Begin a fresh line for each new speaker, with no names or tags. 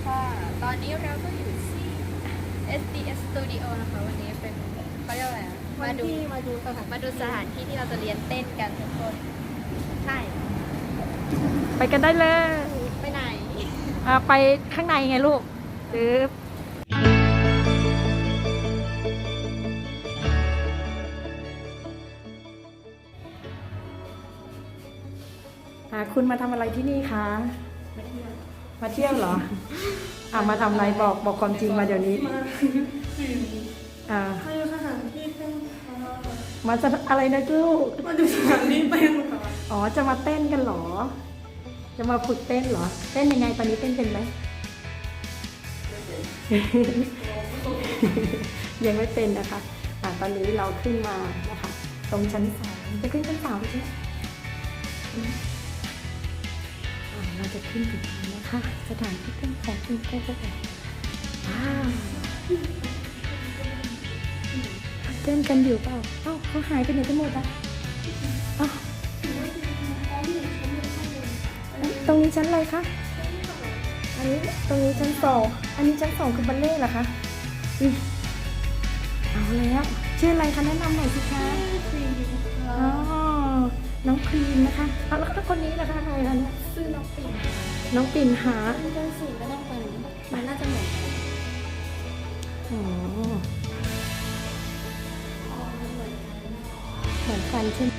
ค่ะตอนนี้เราก็อยู่ที่ SDS Studio นะคะวันนี้เป็นเขาเรียกอะไรมาดูสถานที่ที่เราจะเรียนเต้นกันทุกคนใช่
ไปกันได้เลย
ไปไหน
ไปข้างในไงลูกคุณมาทำอะไรที่นี่คะ มาเที่ยวเหรอ มาทำอะไรบอกความจริงมาเดี๋ยวนี้
มาดูสถานที่เต้นค่ะ
มาจะอะไรนะลูก
มาดูสถานที่เต้นค่ะ
อ๋อจะมาเต้นกันเหรอ จะมาฝึกเต้นเหรอ เต้นยังไงตอนนี้เต้นเป็นไหม ยังไม่เป็นนะคะตอนนี้เราขึ้นมานะคะ ตรงชั้น3จะขึ้นชั้น3ใช่ไหมเราจะขึ้นถึงนะคะ สถานที่เต้นของคุณแก้วเต้นกันอยู่เปล่าเขาหายไปไหนกันหมดอ่ะตรงนี้ชั้นอะไรคะตรงนี้ชั้น2อันนี้ชั้น2คือบัลเล่ต์เหรอคะเอาแล้วชื่ออะไรคะแนะนำหน่อยสิคะน้องครีมนะคะแล้วคนนี้ล่ะคะใครคะเนี่ย
ซื้อน้องปิ่น
น้องปิ่นหา
เต้นสูงก็ต้องเป็นมันน่าจะเหมือนกัน
เหมือนกันใช่ไหม